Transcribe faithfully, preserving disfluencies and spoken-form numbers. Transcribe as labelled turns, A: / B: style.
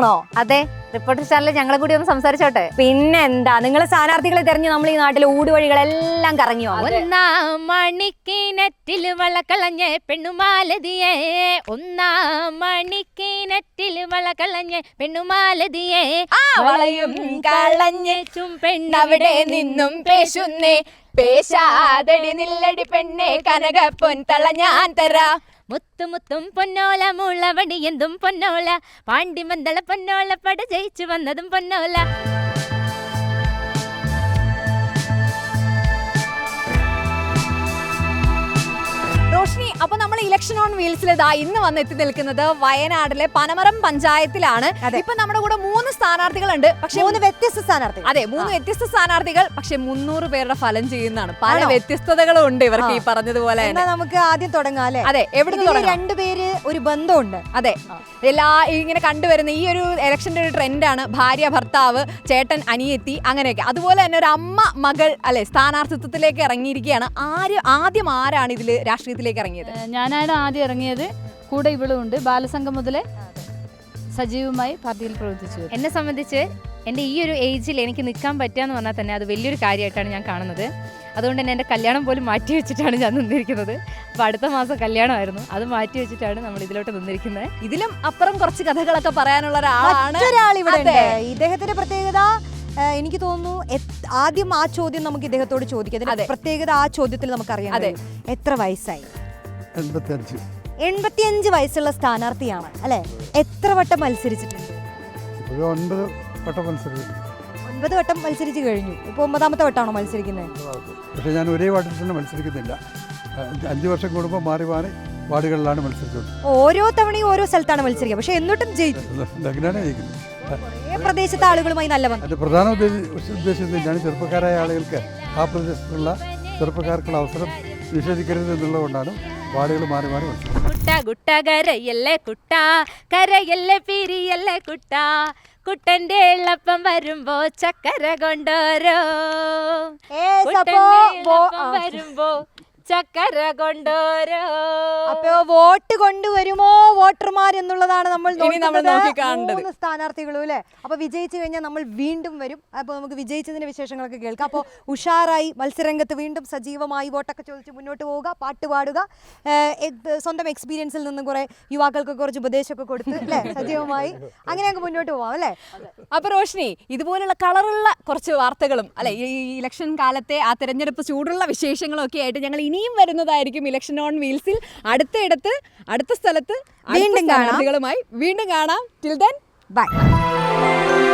A: ആണോ?
B: അതെ, റിപ്പോർട്ടർ ചാനലിൽ ഞങ്ങളെ കൂടി ഒന്ന് സംസാരിച്ചോട്ടെ.
A: പിന്നെ എന്താ, നിങ്ങൾ സ്ഥാനാർത്ഥികളെ തെരഞ്ഞ് നമ്മൾ ഈ നാട്ടിലെ ഊടുവഴികളെല്ലാം കറങ്ങി വന്നു.
C: ഒന്നാം മണിക്കിനറ്റിൽ വളകളഞ്ഞ പെണ്ണുമാലതിയെ, ഒന്നാം മണിക്കിനറ്റിൽ വളകളഞ്ഞ പെണ്ണുമാലതിയെ,
A: വളയും കളഞ്ഞ്
C: പെണ്ണവിടെ നിന്നും പേശുന്നേ, പേശാതടി നില്ലടി പെണ്ണെ കനകപ്പൊൻ തള ഞാൻ തരാ. മുത്തുമുത്തും പൊന്നോല മുളവടി എന്തും പൊന്നോല, പാണ്ടിമന്തള പൊന്നോല പട ജയിച്ചു വന്നതും പൊന്നോല.
A: റോഷ്നി, അപ്പൊ നമ്മൾ ഇലക്ഷൻ ഓൺ വീൽസിൽ ഇതാ ഇന്ന് വന്ന് എത്തി നിൽക്കുന്നത് വയനാട്ടിലെ പനമരം പഞ്ചായത്തിലാണ്. ഇപ്പൊ നമ്മുടെ കൂടെ മൂന്ന് സ്ഥാനാർത്ഥികളുണ്ട്, പക്ഷെ മൂന്ന് വ്യത്യസ്ത സ്ഥാനാർത്ഥികൾ. അതെ, മൂന്ന് വ്യത്യസ്ത സ്ഥാനാർത്ഥികൾ, പക്ഷെ മുന്നൂറ് പേരുടെ ഫലം ചെയ്യുന്നതാണ്. പല വ്യത്യസ്തതകളും ഉണ്ട് ഇവർക്ക് ഈ പറഞ്ഞതുപോലെ.
D: നമുക്ക് ആദ്യം തുടങ്ങാം അല്ലെ?
A: അതെ, എവിടെ
D: രണ്ടുപേര് ഒരു ബന്ധമുണ്ട്.
A: അതെ, എല്ലാ ഇങ്ങനെ കണ്ടുവരുന്ന ഈ ഒരു ഇലക്ഷന്റെ ഒരു ട്രെൻഡാണ് ഭാര്യ ഭർത്താവ്, ചേട്ടൻ അനിയത്തി, അങ്ങനെയൊക്കെ. അതുപോലെ തന്നെ ഒരു അമ്മ മകൾ അല്ലെ സ്ഥാനാർത്ഥിത്വത്തിലേക്ക് ഇറങ്ങിയിരിക്കുകയാണ്. ആര് ആദ്യം ആരാണ് ഇതിൽ രാഷ്ട്രീയത്തിലേക്ക് ഇറങ്ങിയത്?
E: ഞാനാണ് ആദ്യം ഇറങ്ങിയത്. കൂടെ ഇവളുണ്ട്. ബാലസംഘം മുതലേ സജീവമായി പാർട്ടിയിൽ പ്രവർത്തിച്ചു.
B: എന്നെ സംബന്ധിച്ച് എൻ്റെ ഈ ഒരു ഏജിൽ എനിക്ക് നിൽക്കാൻ പറ്റുക എന്ന് പറഞ്ഞാൽ തന്നെ അത് വലിയൊരു കാര്യമായിട്ടാണ് ഞാൻ കാണുന്നത്. അതുകൊണ്ട് തന്നെ എൻ്റെ കല്യാണം പോലും മാറ്റി വെച്ചിട്ടാണ് ഞാൻ നിന്നിരിക്കുന്നത്. അപ്പോൾ അടുത്ത മാസം കല്യാണമായിരുന്നു, അത് മാറ്റി വെച്ചിട്ടാണ് നമ്മൾ ഇതിലോട്ട് നിന്നിരിക്കുന്നത്.
A: ഇതിലും അപ്പുറം കുറച്ച് കഥകളൊക്കെ പറയാനുള്ള ഒരാളാണ്
D: ഇവിടെ. ഇദ്ദേഹത്തിന്റെ പ്രത്യേകത എനിക്ക് തോന്നുന്നു, ആദ്യം ആ ചോദ്യം നമുക്ക് ഇദ്ദേഹത്തോട് ചോദിക്കാം. പ്രത്യേകത ആ ചോദ്യത്തിൽ നമുക്കറിയാം.
A: അതെ,
D: എത്ര വയസ്സായി?
F: എൺപത്തിയഞ്ച്
D: എൺപത്തിയഞ്ച് വയസ്സുള്ള സ്ഥാനാർത്ഥിയാണ് അല്ലെ? എത്ര വട്ടം മത്സരിച്ചിട്ടുണ്ട്?
F: ഒൻപത് വട്ടം മത്സരിച്ചു.
D: ഒൻപത് വട്ടം മത്സരിച്ചു കഴിഞ്ഞു. ഇപ്പൊ ഒമ്പതാമത്തെ വട്ടമാണോ മത്സരിക്കുന്നത്?
F: പക്ഷെ ഞാൻ ഒരേ വാർഡിൽ തന്നെ മത്സരിക്കുന്നില്ല. അഞ്ചു വർഷം കൂടുമ്പോൾ മാറി മാറി വാർഡുകളിലാണ് മത്സരിച്ചത്.
D: ഓരോ തവണയും ഓരോ സ്ഥലത്താണ് മത്സരിക്കുക, പക്ഷെ എന്നിട്ടും ജയിക്കും.
F: അങ്ങനെയാണ് ജയിക്കുന്നത്.
D: പ്രദേശത്തെ ആളുകളുമായി നല്ല ബന്ധം.
F: അതിന്റെ പ്രധാന ഉദ്ദേശം തന്നെയാണ് ചെറുപ്പക്കാരായ ആളുകൾക്ക് ആ പ്രദേശത്തുള്ള ചെറുപ്പക്കാർക്കുള്ള അവസരം നിഷേധിക്കരുത് എന്നുള്ളതുകൊണ്ടാണ് വാർഡുകൾ മാറി മാറി മത്സരിക്കുന്നത്.
C: കുട്ട കുട്ട കരയല്ലേ കുട്ട, കരയല്ലേ പിരിയല്ലേ കുട്ട, കുട്ടന്റെ എള്ളപ്പം വരുമ്പോ ചക്കര കൊണ്ടോരോ, വരുമ്പോ ചക്കര കൊണ്ടോരോ.
D: അപ്പൊ വോട്ട് കൊണ്ടുവരുമോ വോട്ടർമാർ എന്നുള്ളതാണ് നമ്മൾ
A: നോക്കിക്കാണേണ്ടത്.
D: മൂന്ന് സ്ഥാനാർത്ഥികളും അല്ലെ? അപ്പൊ വിജയിച്ചു കഴിഞ്ഞാൽ നമ്മൾ വീണ്ടും വരും. അപ്പൊ നമുക്ക് വിജയിച്ചതിന്റെ വിശേഷങ്ങളൊക്കെ കേൾക്കാം. അപ്പോൾ ഉഷാറായി മത്സരരംഗത്ത് വീണ്ടും സജീവമായി വോട്ടൊക്കെ ചോദിച്ച് മുന്നോട്ട് പോവുക, പാട്ട് പാടുക, സ്വന്തം എക്സ്പീരിയൻസിൽ നിന്നും കുറെ യുവാക്കൾക്ക് കുറച്ച് ഉപദേശമൊക്കെ കൊടുത്ത് അല്ലെ സജീവമായി അങ്ങനെയൊക്കെ മുന്നോട്ട് പോവാം അല്ലെ?
A: അപ്പൊ റോഷ്നി, ഇതുപോലുള്ള കളറുള്ള കുറച്ച് വാർത്തകളും അല്ലെ ഈ ഇലക്ഷൻ കാലത്തെ ആ തെരഞ്ഞെടുപ്പ് ചൂടുള്ള വിശേഷങ്ങളും ഒക്കെ ആയിട്ട് ഞങ്ങൾ ഇനിയും വരുന്നതായിരിക്കും ഇലക്ഷൻ ഓൺ വീൽസിൽ. അടുത്തയിടത്ത് അടുത്ത സ്ഥലത്ത് വീണ്ടും കാണാം വീണ്ടും കാണാം. Till then by.